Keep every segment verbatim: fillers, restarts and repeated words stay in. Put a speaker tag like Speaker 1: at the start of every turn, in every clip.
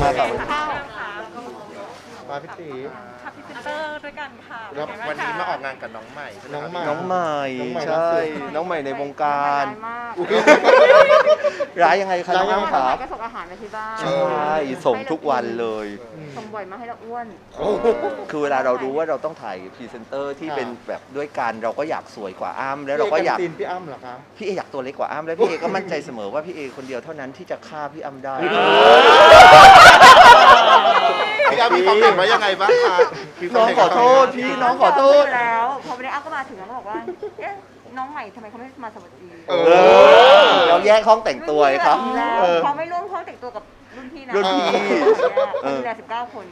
Speaker 1: มากับ
Speaker 2: ข้าว
Speaker 3: มาพี่ตี
Speaker 2: ทับพิเซนเตอร์ด้วยกันค่ะ
Speaker 3: แล้ววันนี้มาออกงานกับน้องใหม่ใช่ไหม
Speaker 1: น้อง
Speaker 3: ครับ
Speaker 1: ใหม่น้องใหม่
Speaker 3: น้องใหม่
Speaker 1: ใช่ น้องใหม่ในวงการ
Speaker 2: ร้ายมาก
Speaker 1: ร้ายยังไงคะน้องอ้ำครับ
Speaker 2: ก็ส่งอาหารมาที่บ้าน
Speaker 1: ใช่ส่งทุกวันเลย
Speaker 2: ส่งบ่อยมาให้เราอ้วน
Speaker 1: คือเวลาเรารู้ว่าเราต้องถ่ายพรีเซนเตอร์ที่เป็นแบบด้วยกันเราก็อยากสวยกว่าอ้ำแล้วเราก็อยาก
Speaker 3: ตีนพี่อ้ำเหรอคะ
Speaker 1: พี่เออยากตัวเล็กกว่าอ้ำแล้วพี่เอก็มั่นใจเสมอว่าพี่เอคนเดียวเท่านั้นที่จะฆ่าพี่อ้ำได้
Speaker 3: พี่อ้ำมีความเห็นว่ายังไงบ้างคะ
Speaker 1: น้องขอโทษพี่น้องขอโทษ
Speaker 2: แล้วพอวันนี้อ้ำก็มาถึงแล้วก็บอกว่าเอ๊ะน้องใหม่ทำไมเขาไม่มาสวัสดี
Speaker 3: เอ
Speaker 1: เอ
Speaker 3: อ
Speaker 1: อเราแยกห้องแต่งตัวเลยครับ
Speaker 2: แล้ว
Speaker 1: เออ
Speaker 2: เขาไม่ร่วมห้องแต่งตัวกับรุ่นพี่นะ
Speaker 1: รุ่นพี่
Speaker 2: เออดูแลสิบเก้าคน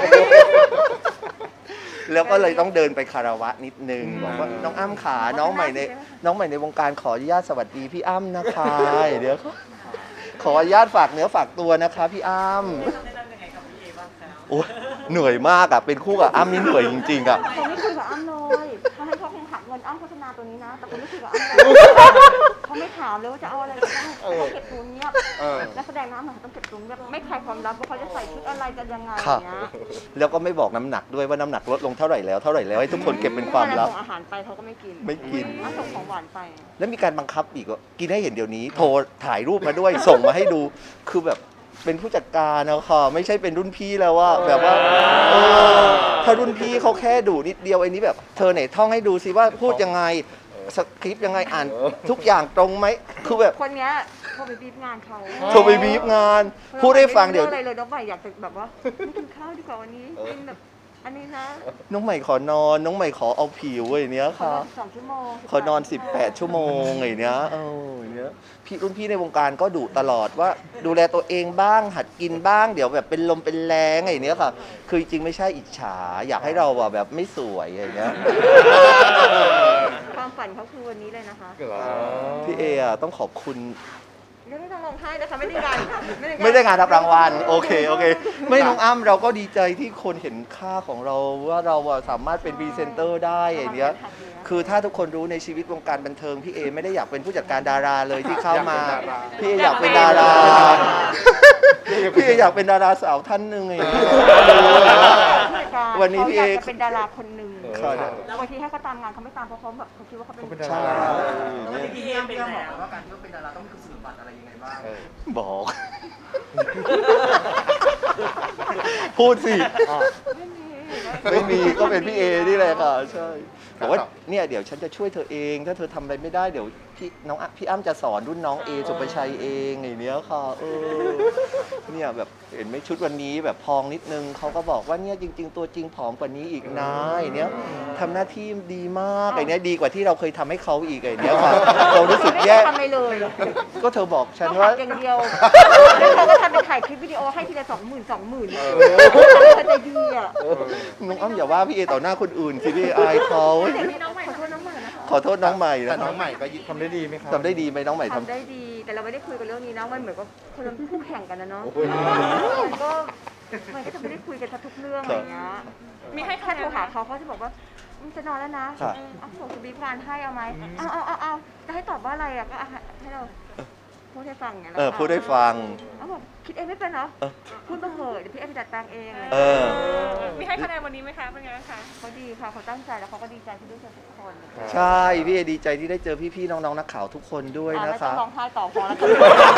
Speaker 1: แล้วก็เลยต้องเดินไปคารวะนิดนึงบอกว่าน้องอ้ำขาน้องใหม่ในน้องใหม่ในวงการขออนุญาตสวัสดีพี่อ้ำนะคะเดี๋ยวขออนุญาตฝากเนื้อฝากตัวนะคะพี่อ้ำโอ้เหนื่อยมากอ่ะเป็นคู่กับอ้ำนี่เหนื่อยจริงๆอ่ะ
Speaker 2: เขาไม่คุยกับอ้ำเลยเขาให้เขาคงหักเงินอ้ำโฆษณาตัวนี้นะ แต่เขาไม่คุยกับอ้ำเลยเขาไม่ถามเลยว่าจะเอาอะไรก็ได้เขาเก็บตัวเงียบ
Speaker 3: เออ
Speaker 2: นักแสดงน้ำหนักต้องเก็บตัวเงียบไม่ใครความลับว่าเขาจะใส่ชุดอะไรกันยังไง
Speaker 1: ครับ
Speaker 2: เนี้ย
Speaker 1: แล้วก็ไม่บอกน้ำหนักด้วยว่าน้ำหนักลดลงเท่าไหร่แล้วเท่าไหร่แล้วให้ทุกคนเก็บเป็นความลับ
Speaker 2: ส่งอาหารไปเขาก็ไม่กิน
Speaker 1: ไม่กิน
Speaker 2: อ้ำส่งของหวานไป
Speaker 1: แล้วมีการบังคับอีกว่ากินให้เห็นเดี๋ยวนี้ โทรถ่ายรูปมาด้วย ส่งมาให้ดูคือแบบเป็นผู้จัดการนะค่ะไม่ใช่เป็นรุ่นพี่แล้วว่าแบบว่าเออถ้ารุ่นพี่เขาแค่ดูนิดเดียวไอ้นี้แบบเธอไหนท่องให้ดูสิว่าพูดยังไงสคริปต์ยังไงอ่านทุกอย่างตรงไหมคือแบบ
Speaker 2: คนเนี้ยเขาไปบีบงานเขา
Speaker 1: โทรไปบีบงาน พูดให้ฟังเดี๋ยว
Speaker 2: ไม่รู้อะไรเลยน้องใหม่อยากจะแบบว่าไม่กินข้าวดีกว่าวันนี้กินแบบอันนี้นะ
Speaker 1: น้องใหม่ขอนอน น้องใหม่ขอเอาผิวอย่างเนี้ย
Speaker 2: ขอ
Speaker 1: ค่ะ
Speaker 2: นอนสองชั่วโมง
Speaker 1: ขอนอนสิบแปดชั่วโมงอย่างเนี้ยเอออย่างเนี้ยพี่รุ่นพี่ในวงการก็ดุตลอดว่าดูแลตัวเองบ้างหัดกินบ้างเดี๋ยวแบบเป็นลมเป็นแรงอย่างเนี้ยค่ะ คือจริงๆไม่ใช่อิจฉา อยากให้เราอะแบบไม่สวยอย่างเงี้ย
Speaker 2: ความฝันเขาคือวันนี้เลยนะคะ
Speaker 1: พี่เออะต้องขอบคุณ
Speaker 2: ไม่ต้องร้องไห้นะคะไม่ได้งาน
Speaker 1: ไม่ได้งานรับรางวัลโอเคโอเค ไม่น้องอ้ำเราก็ดีใจที่คนเห็นค่าของเราว่าเราอะสามารถเป็นพรีเซนเตอร์ได้อย่างเนี้ยคือถ้าทุกคนรู้ในชีวิตวงการบันเทิงพี่เอไม่ได้อยากเป็นผู้จัดการดาราเลยที่เข้ามาพี่เออยากเป็นดาราพี่เออยากเป็นดาราสาวท่านหนึ่งอย่างเงี้ย วันนี้พี่เอ
Speaker 2: ขาอยากจะเป็นดาราคนหนึ่ง
Speaker 1: ค่ะ
Speaker 2: บางทีให้เขาตามงานเขาไม่ตามเพราะเขาแบบเขาคิดว่าเขาเป็น
Speaker 1: ใช่
Speaker 4: พี่เอ็มเป็นยังไงว่าการที่เราเป็นดาราต้องมีคุณสมบัติอะไรยังไงบ้าง
Speaker 1: บอก พูดสิ
Speaker 2: ไม่มี
Speaker 1: ไม่มีก็เป็นพี่เอนี่แหละค่ะใช่แต่ว่าเนี่ยเดี๋ยวฉันจะช่วยเธอเอง ถ้าเธอทำอะไรไม่ได้เดี๋ยวพี่น้องอ่ะพี่อ้ำจะสอนรุ่นน้องเอสุปชัยเองอย่างเนี้ยค่ะเออเนี่ยแบบเห็นไหมชุดวันนี้แบบพองนิดนึงเขาก็บอกว่าเนี่ยจริง ๆ ตัวจริงผอมกว่านี้อีกนะอย่างเนี้ยทำหน้าที่ดีมากไอ้เนี้ยดีกว่าที่เราเคยทำให้เขาอีกไอ้เนี้ยค่ะเรารู้สึกแย่
Speaker 2: ทำอะไรเลย
Speaker 1: ก็เธอบอกฉัน
Speaker 2: เขา
Speaker 1: ว่า
Speaker 2: หักอย่างเดียวแล้วเขาก็ทำเป็นถ่ายคลิปวิดีโอให้ทีละสองหมื่นสองหมื่นเขาจะดีอ่ะ
Speaker 1: น้องอ้ำอย่าว่าพี่เอต่อหน้าคนอื่นสิพี่อายเขา
Speaker 2: เดี๋ยวนี้น้องใหม่ขอโทษน้องใหม่นะคะ
Speaker 1: ขอโทษน้องใหม่
Speaker 3: แต่
Speaker 1: นะ
Speaker 3: น้องใหม่ก็ทำได้ดีไหมครับ
Speaker 1: ทำได้ดีไหมน้องใหม่ท
Speaker 2: ทำได้ดี แต่เราไม่ได้คุยกันเรื่องนี้นะมันเหมือนกับคนเราคู่แข่งกันนะเนาะ
Speaker 3: โอ้ย
Speaker 2: มันก็มันก็จะไม่ได้คุยกันทุกเรื่องอะไรเงี้ยมีให้แค่โทรหาเขาเขาจะบอกว่ามึงจะนอนแล้วนะเอาส่งสบีบงานให้เอาไหมเอาเอาเอาเอาจะให้ตอบว่าอะไรอ่ะก็ให้เราพูดให้ฟังไง
Speaker 1: ำเออพูดให้ฟัง
Speaker 2: เขาบอกคิดเองไม่เป็นเหรอ
Speaker 1: เออ
Speaker 2: พูดมาเหอะเดี๋ยวพี่เอไปจัดตังเอง
Speaker 1: เออ
Speaker 2: มีให้คะแนนวันนี้ไหมคะเป็นไงคะเขาดีค่ะเขาตั้งใจแล้วเขาก็ดีใจที่ได้เจอทุกคน
Speaker 1: ใช่พี่เอดีใจที่ได้เจอพี่ๆน้องๆนักข่าวทุกคนด้วย
Speaker 2: อ่า
Speaker 1: นะ
Speaker 2: ไม่ต้อ
Speaker 1: คะ
Speaker 2: งร้องไห้ต่อพอแล้ว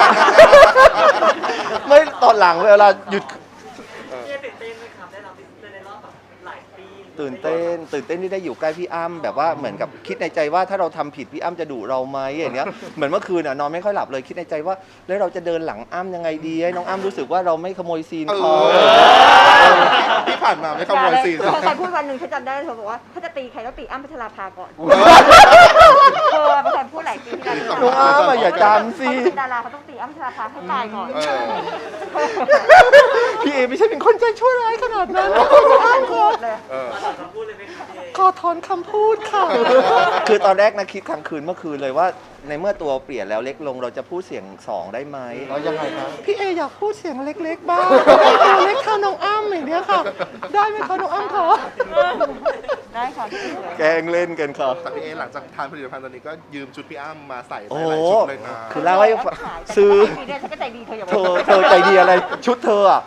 Speaker 1: ไม่ตอนหลังเวลาหยุด
Speaker 4: พี่เอ็มตื่นเต้นไหมครับได้รับพรีเซนเตอร์ในรอบแบบหลายปี
Speaker 1: ตื่นเต้น ตื่นเต้นที่ได้อยู่ใกล้พี่อ้ำแบบว่าเหมือนกับคิดในใจว่าถ้าเราทำผิดพี่อ้ำจะดุเราไหมอย่างเงี้ยเหมือนเมื่อคืนอ่ะนอนไม่ค่อยหลับเลยคิดในใจว่าแล้วเราจะเดินหลังอ้ำยังไงดีให้น้องอ้ำรู้สึกว่าเราไม่ขโมยซีน
Speaker 3: เอ
Speaker 1: เขา
Speaker 3: อที่ผ่านมาไม่ขโมยซีน
Speaker 2: เขาเคยพูดวันหนึ่งฉันจำได้เธอบอกว่าถ้าจะตีใครต้องตีอ้ำพัชราภาก่อนเธอเป็นคนพูดหลายปีที่แล้ว
Speaker 1: น้องอ้ำอะอย่าจำสิ
Speaker 2: เขาเป็นดาราเขาต้องตีอ้ำพัชราภาให้ตายก่อน
Speaker 1: พี่เอไม่ใช่เป็นคนใจชั่วร้ายขนาดนั้นน้องอ้ำขอ
Speaker 2: เลย
Speaker 3: เออ
Speaker 4: ขอคำพูดเลยไหมครับพี่เอ็ม
Speaker 1: ขอถอนคำพูดค่ะ คือตอนแรกนะคิดกลางคืนเมื่อคืนเลยว่า ในเมื่อตัวเปลี่ยนแล้วเล็กลงเราจะพูดเสียงสองได้ไหม
Speaker 3: แล้วยังไงครับ
Speaker 1: พี่เออยากพูดเสียงเล็กๆบ้างตัวเล็กเท่าน้องอ้ำอย่างเนี้ยค่ะ ได้ไหมคะน้องอ้ำคะ
Speaker 2: ได้ค่ะพี่สวย
Speaker 1: แกล้งเล่นกันค่ะ
Speaker 3: แต่พี่เอหลังจากทานผลิตภัณฑ์ตอนนี้ก็ยืมชุดพี่อ้ำมาใส่
Speaker 1: โอ้
Speaker 3: หลายๆชุดเลยนะ
Speaker 1: คือเล่าให้ฟังซื้อ
Speaker 2: ดีเนี่ยฉันก็ใจดีเธออย่า
Speaker 1: เธอเธอใจดีอะไรชุดเธออะเธ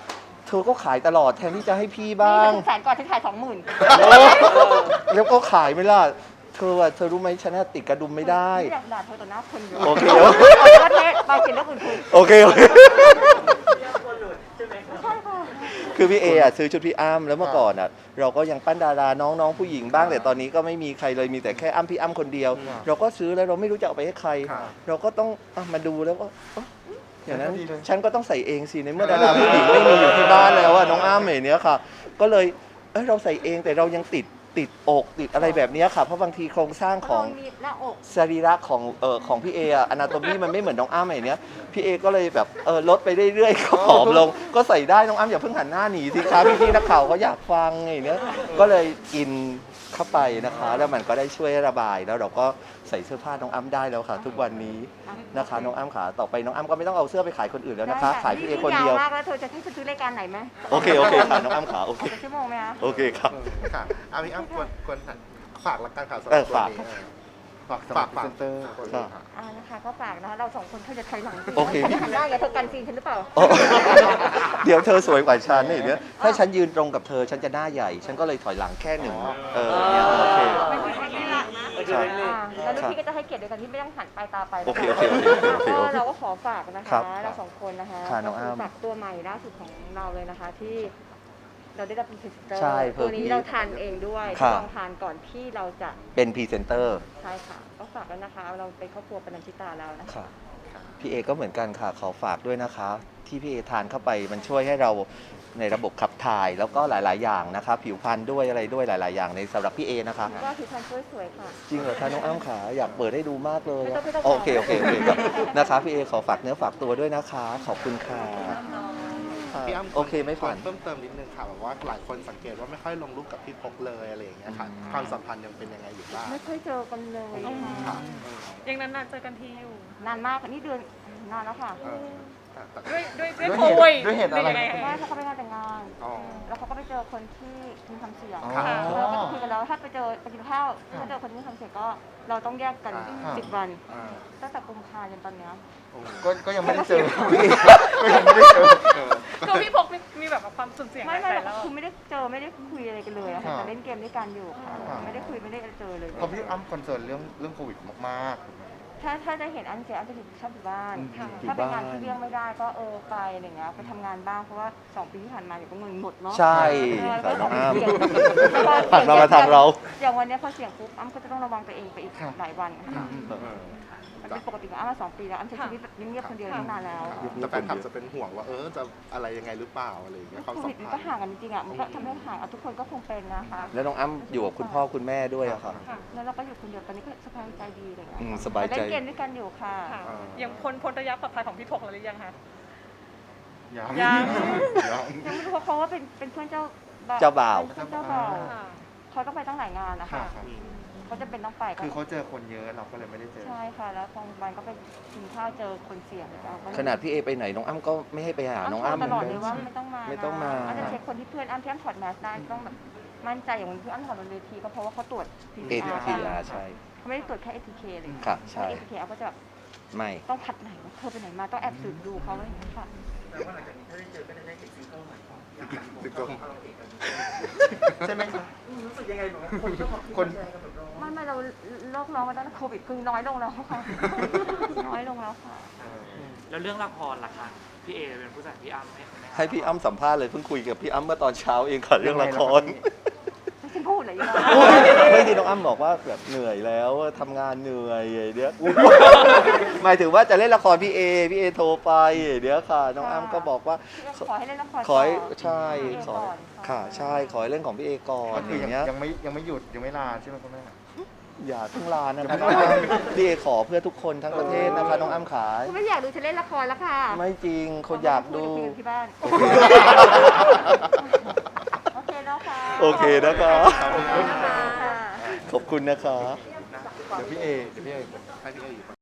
Speaker 1: เธอก็ขายตลอดแทนที่จะให้พี่
Speaker 2: นี่
Speaker 1: บ้าง
Speaker 2: ถึงแสนก่อนที่ขายสองหมื่น
Speaker 1: แล้วก็ขายไม่ล่ะเธออะเธอรู้ไหมฉันอะติดกระดุมไม่ได้
Speaker 2: อยากด่าเธอต่อหน้าคนเยอะ
Speaker 1: โอเค
Speaker 2: ประเทศไปเขียนเรื่องอื่นคุย
Speaker 1: โอเคโอเค
Speaker 2: ใช่ค่ะ
Speaker 1: คือพี่เออะซื้อชุดพี่อ้ำแล้วเมื่อก่อนอะเราก็ยังปั้นดาราน้องๆผู้หญิงบ้างแต่ตอนนี้ก็ไม่มีใครเลยมีแต่แค่อ้ำพี่อ้ำคนเดียว เราก็ซื้อแล้วเราไม่รู้จะเอาไปให้ใคร เราก็ต้องอ่ะมาดูแล้วก็เอ้าอย่างนั้นฉันก็ต้องใส่เองสิในเมื่อดาราผู้หญิงไม่มีอยู่ที่บ้านแล้วอะน้องอ้ำอย่างเนี้ยค่ะ ก็เลยเอ้ยเราใส่เองแต่เรายังติดติดอกติดอะไรแบบเนี้ยค่ะเพราะบางทีโครงสร้างของ
Speaker 2: มีหน้าอก
Speaker 1: สรีระของเอ่อของพี่เออะอนาโตมีมันไม่เหมือนน้องอ้ำอย่างเนี้ยพี่เอก็เลยแบบเออลดไปเรื่อยๆก็ผอมลง ก็ใส่ได้น้องอ้ำอย่าเพิ่งหันหน้าหนีสิคะพี่พี่ๆนักข่าวเขาอยากฟังอย่างเนี้ยก็เลยกินเข้าไปนะคะ แล้วมันก็ได้ช่วยระบายแล้วเราก็ใส่เสื้อผ้าน้องอ้ำได้แล้วค่ะ ทุกวันนี้นะคะน้องอ้ำขาต่อไปน้องอ้ำก็ไม่ต้องเอาเสื้อไปขายคนอื่นแล้วนะคะ ขายพี่เอคนเดียว
Speaker 2: มากแล้วเธอจะให้ฉันซื้อรายการไหนไหม
Speaker 1: โอเคโอเคค่ะน้องอ้ำขาโอเค
Speaker 2: เอาไปชั่วโมงไหมคะ
Speaker 1: โอเคครับ
Speaker 3: ค่ะอาพี่อ้ำควรควรฝากละกันข่าวสำห
Speaker 1: เอ
Speaker 3: รับ
Speaker 1: อ
Speaker 3: ตัว
Speaker 1: ฝาก
Speaker 3: นี้เออ
Speaker 5: ฝากสำหรั
Speaker 3: ฝา
Speaker 5: บ
Speaker 3: ก
Speaker 5: พรี
Speaker 3: ฝาก
Speaker 5: เซนเตอร์
Speaker 1: ครับ
Speaker 2: อ่านะคะก็ฝากนะคะเราสองคนเธอจะถอยหลังสิ
Speaker 1: โอเค
Speaker 2: ฉันจะหันหน้าอย่าเธอกันซีนฉันหรือเปล่า
Speaker 1: โอ้เดี๋ยวเธอสวยกว่าฉันนี่เดี๋ยวถ้าฉันยืนตรงกับเธอฉันจะหน้าใหญ่ ฉันก็เลยถอยหลังแค่หนึ่งเออเนี่ยโอเค
Speaker 2: ไม่ใช่แค่หลังนะ
Speaker 1: ใช่
Speaker 2: อ่าแล้วลูกพี่ก็จะให้เกียรติโดยการที่ไม่ต้องหันปลายตาไปนะะ
Speaker 1: โอเคโอเคโอเคโอเคโอเค
Speaker 2: ก็เราก็ขอฝากนะ
Speaker 1: ครั
Speaker 2: คะ
Speaker 1: บ
Speaker 2: เราสองคนนะคะ
Speaker 1: ค่ะน้องอ้ำ
Speaker 2: ฝากตัวใหม่ล่าสุดของเราเลยนะคะที่เราได้รับเป็นพรีเซนเตอร์
Speaker 1: ใช่
Speaker 2: ตัวนี้
Speaker 1: เพิ่ม
Speaker 2: เราทานเองด้วย
Speaker 1: ค่ะ
Speaker 2: ลองทานก่อนที่เราจะ
Speaker 1: เป็นพรีเซนเตอร์
Speaker 2: ใช่ค่ะก็ฝากแล้วนะคะ เราเป็นครอบครัวปนัญชิตาแล้วนะคะ
Speaker 1: ค่ะพี่เอก็เหมือนกันค่ะขอฝากด้วยนะคะ ที่พี่เอทานเข้าไปมันช่วยให้เราในระบบขับถ่ายแล้วก็หลาย ๆ อย่างนะคะ ผิวพรรณด้วยอะไรด้วยหลาย ๆ อย่างในสำหรับพี่เอนะคะ
Speaker 2: ก็ผิวพรรณสวยๆค่ะ
Speaker 1: จริงเหรอคะน้องอ้ำขาอยากเปิดให้ดูมากเลย
Speaker 2: ไม่ต้องไม่ต้อง
Speaker 1: โอเคโอเคโอเคครับนะคะพี่เอขอฝากเนื้อฝากตัวด้วยนะคะ ขอบคุณค่ะค่ะ
Speaker 3: พี่อ้ำ
Speaker 1: โอเคไม่ฝัน
Speaker 3: เพิ่มเติมนิดนึงค่ะแบบว่าหลายคนสังเกตว่าไม่ค่อยลงรูปกับพี่พกเลยอะไรอย่างเงี้ยค่ะ
Speaker 1: อืม
Speaker 3: ความสัมพันธ์ยังเป็นยังไงอยู่บ้าง
Speaker 2: ไม่ค่อยเจอกันเลย
Speaker 3: ค่ะ
Speaker 6: ยังนานๆเจอกันทีอยู่
Speaker 2: นานมากค่ะนี่เดือนนานแล้วค่ะ
Speaker 3: เออแต่แต่
Speaker 6: ด้วยด้วยด้วย
Speaker 5: ด้วย
Speaker 6: โค
Speaker 5: เหตุ
Speaker 6: วิด
Speaker 5: ด้วยเหตุอะไร
Speaker 6: ยังง
Speaker 2: ไม่เพราะเขาไปงานแต่งงาน
Speaker 3: อ๋อ
Speaker 2: แล้วเขาก็ไปเจอคนที่มีความเสี่ยง
Speaker 5: อ๋อ
Speaker 3: ค่ะ
Speaker 2: เราก็จะคุยกันแล้วถ้าไปเจอไปกินข้าวถ้าเจอคนที่มีความเสี่ยงก็เราต้องแยกกัน
Speaker 3: อ่า
Speaker 2: สิบวัน
Speaker 3: อ่า
Speaker 2: ตั้งแต่กุมภาพันธ์จนตอนเนี้ย
Speaker 3: โอ้
Speaker 5: ก็ก็ยังไม่ได้เจอก็ยังไม่ได้เจอ
Speaker 3: เออ
Speaker 6: ตัวพี่พกมีมีแบบว่าความสุ่มเสี่ยง
Speaker 2: ไม่ไม่
Speaker 6: ห
Speaker 2: หร
Speaker 6: ลา
Speaker 2: อย ก
Speaker 6: รอบ
Speaker 2: คือไม่ได้เจอไม่ได้คุยอะไรกันเลยอะค่ะ
Speaker 5: อ่า
Speaker 2: แต่เล่นเกมด้วยกันอยู่ค่ะ
Speaker 5: อ่า
Speaker 2: ไม่ได้คุยไม่ได้เจอเลย
Speaker 5: เพราะพี่อ้ำคอนเซิร์นเรื่องเรื่องโควิดมาก
Speaker 2: ถ้าถ้าได้เห็นอันเสียอันจะอยู่ชอบอยู่บ้าน
Speaker 5: อืม
Speaker 2: ค่ะ
Speaker 1: อยู่
Speaker 2: ถ้าเป็นงาน
Speaker 1: บ้าน
Speaker 2: ที่เลี่ยงไม่ได้ก็เออไปอะไรเงี้ยไปทำงานบ้างเพราะว่าสองปีที่ผ่านมาเดี๋ยวก็เงินหมดเนาะ
Speaker 1: ใช่
Speaker 2: เออ
Speaker 1: ค่ะน้องอ้ำ
Speaker 2: เสี่ยง
Speaker 1: ผ่านมามาทางเรา
Speaker 2: อย่างวันเนี้ยพอเสี่ยงปุ๊บอ้ำก็จะต้องระวังตัวเองไปอีก
Speaker 5: ครับ
Speaker 2: หลายวันค่ะ
Speaker 3: เออ
Speaker 2: มันเป็นปกติของอ้ำมาสองปีแล้วอ้ำใช้ชีวิตแบบเงียบๆคนเดียวตั้งนานแล้ว
Speaker 3: แต่แฟนคลับจะเป็นห่วงว่าเออจะอะไรยังไงหรือเปล่าอะไรอย่างเงี้ยความ
Speaker 2: โค
Speaker 3: สั
Speaker 2: วิ
Speaker 3: ม
Speaker 2: ดมัน
Speaker 3: พั
Speaker 2: ก็
Speaker 3: นธ์
Speaker 2: ห่างกันจริงๆอ่ะมันก็ทำให้ห่างอ่ะทุกคนก็คงเป็นนะคะ
Speaker 1: แล้วน้องอ้ำอยู่กับคุณพ่อคุณแม่ด้วยอะค่ะ
Speaker 6: ค่ะ
Speaker 2: แล้วเราก็อยู่คนเดียวตอนนี้ก็สบายใจดีอะไรเงี้ย
Speaker 1: อืมสบายใจ
Speaker 2: เล่นเกมด้วยกันอยู่ค่ะ
Speaker 6: ค่ะ
Speaker 3: อ่า
Speaker 6: ยังพ้นพ้นระยะปลอดภัยของพี่พกแล้วหรือยังคะ
Speaker 5: ๆยัง
Speaker 6: ยัง
Speaker 5: ยัง
Speaker 2: ยังไม่รู้ว่าเขาว่าเป็นเป็นเพื่อนเจ้า
Speaker 1: เจ้าบ่าว
Speaker 2: เป็นเพื่อนเจ้าบ่าว
Speaker 6: ค่ะ
Speaker 2: เขาต้องไปตั้งหลายงานนะ
Speaker 5: ค่ะ
Speaker 2: คะ
Speaker 5: ครับ
Speaker 2: เขาจะเป็นต้องไปก็
Speaker 5: คือเขาเจอคนเยอะเราก็เลยไม่ได้เจอ
Speaker 2: ใช่ค่ะ แล้วบางวันก็ไปกินข้าวเจอคนเสี่ยงเราก็
Speaker 1: ขนาดพี่เอไปไหนน้องอ้ำก็ไม่ให้ไปหาน้องอ้ำ
Speaker 2: ตลอดเลยว่าไม่ต้องมา
Speaker 1: ไม่ต้องมา
Speaker 2: อาจจะเช็คคนที่เพื่อนอ้ำที่อ้ำถอดแมสได้ต้องแบบมั่นใจอย่างวันที่อ้ำถอดบนเวทีก็เพราะว่าเขาตรวจ
Speaker 1: เอ
Speaker 2: พี
Speaker 1: ทีอาร์ใช่
Speaker 2: เขาไม่ได้ตรวจแค่ เอ ที เค เลย
Speaker 1: ค่ะใช่
Speaker 2: เอ ที เค อ้ำก็จะแบบ
Speaker 1: ไม่
Speaker 2: ต้องคัดไหนว่าเธอไปไหนมาต้องแอบสืบดูเขาอะไรอย่างเงี้ยค่ะ
Speaker 3: ติดตัว
Speaker 5: ใช่ไหมครับ
Speaker 4: รู้สึกยังไงแบบว่าคนก็มาพูด
Speaker 5: คน
Speaker 4: แชร์กันแบบเรา
Speaker 2: ไม่ไม่เราโรคน้องมาตั้งแต่โควิดคือน้อยลงแล้วค่ะ น้อยลงแล้วค่ะ
Speaker 7: แล้วเรื่องละครล่ะคะพี่เอเป็นผู้จัดพี่อ้ำให้ไหมคะ
Speaker 1: ให้พี่อ้ำสัมภาษณ์เลยเพิ่งคุยกับพี่อ้ำเมื่อตอนเช้าเองค่ะเรื่องละคร
Speaker 2: ไม่ใช่พูดเลยยังไง
Speaker 1: ไม่ที่น้องอ้ำบอกว่าแบบเหนื่อยแล้วทำงานเหนื่อยอย่างเนี้ยหมายถึงว่าจะเล่นละครพี่เอพี่เอโทรไปอย่างเนี้ยค่ะ น้องอ้ำก็บอกว่า
Speaker 2: ขอให้เล่นละคร
Speaker 1: ขอให้
Speaker 2: ต่
Speaker 1: ใช่ขอ
Speaker 2: ก่อน
Speaker 1: ค่ะใช่ขอให้เล่นของพี่เอก่อน
Speaker 5: ก็
Speaker 1: อ
Speaker 5: คือย่าง
Speaker 1: เงี้ย
Speaker 5: ยังไม่ยังไม่หยุดยังไม่ลาใช่ไหมคุณแม่
Speaker 1: อย่าเพิ่งลานะ
Speaker 5: ยัง
Speaker 1: คะ
Speaker 5: ไม่
Speaker 1: น้อง
Speaker 5: ลา
Speaker 1: อ้ำพี่เอขอเพื่อทุกคนทั้งประเทศนะคะน้องอ้ำขา
Speaker 2: คุณไม่อยากดูฉันเล่นละครแล้วค่ะ
Speaker 1: ไม่จริงคนอยากดู
Speaker 2: คุยกันที่บ้าน
Speaker 1: โอเค
Speaker 2: โอเคแล้วค่ะ
Speaker 1: โอเคนะคะ
Speaker 2: ขอบคุณนะคะ
Speaker 1: ขอบคุณนะคะ
Speaker 5: เดี๋ยวพี่เอเดี๋ยวพี่เอ
Speaker 3: ให้พี่เออยู่